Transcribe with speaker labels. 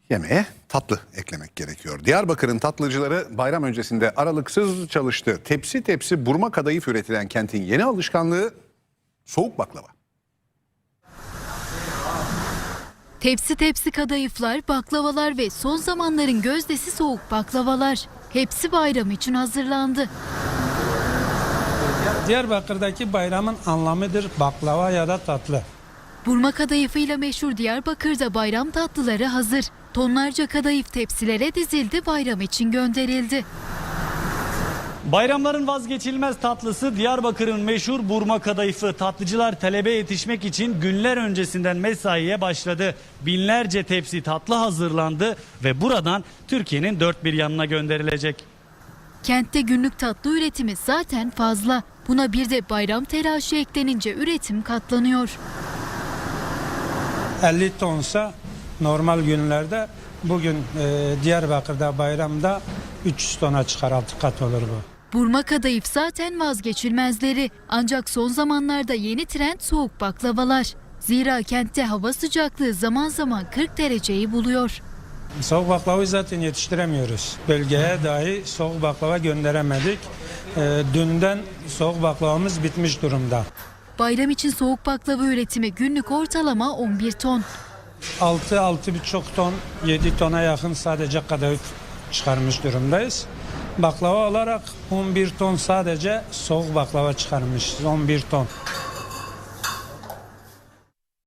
Speaker 1: Yemeğe tatlı eklemek gerekiyor. Diyarbakır'ın tatlıcıları bayram öncesinde aralıksız çalıştı. Tepsi tepsi burma kadayıf üretilen kentin yeni alışkanlığı soğuk baklava.
Speaker 2: Tepsi tepsi kadayıflar, baklavalar ve son zamanların gözdesi soğuk baklavalar. Hepsi bayram için hazırlandı.
Speaker 3: Diyarbakır'daki bayramın anlamıdır baklava ya da tatlı.
Speaker 2: Burma kadayıfıyla meşhur Diyarbakır'da bayram tatlıları hazır. Tonlarca kadayıf tepsilere dizildi, bayram için gönderildi.
Speaker 4: Bayramların vazgeçilmez tatlısı Diyarbakır'ın meşhur burma kadayıfı. Tatlıcılar talebe yetişmek için günler öncesinden mesaiye başladı. Binlerce tepsi tatlı hazırlandı ve buradan Türkiye'nin dört bir yanına gönderilecek.
Speaker 2: Kentte günlük tatlı üretimi zaten fazla. Buna bir de bayram telaşı eklenince üretim katlanıyor.
Speaker 3: 50 tonsa normal günlerde bugün Diyarbakır'da bayramda 300 tona çıkar, 6 kat olur bu.
Speaker 2: Burma kadayıf zaten vazgeçilmezleri. Ancak son zamanlarda yeni trend soğuk baklavalar. Zira kentte hava sıcaklığı zaman zaman 40 dereceyi buluyor.
Speaker 3: Soğuk baklavayı zaten yetiştiremiyoruz. Bölgeye dahi soğuk baklava gönderemedik. Dünden soğuk baklavamız bitmiş durumda.
Speaker 2: Bayram için soğuk baklava üretimi günlük ortalama 11 ton.
Speaker 3: 6-6,5 ton, 7 tona yakın sadece kadayıf çıkarmış durumdayız. Baklava olarak 11 ton sadece soğuk baklava çıkarmışız, 11 ton.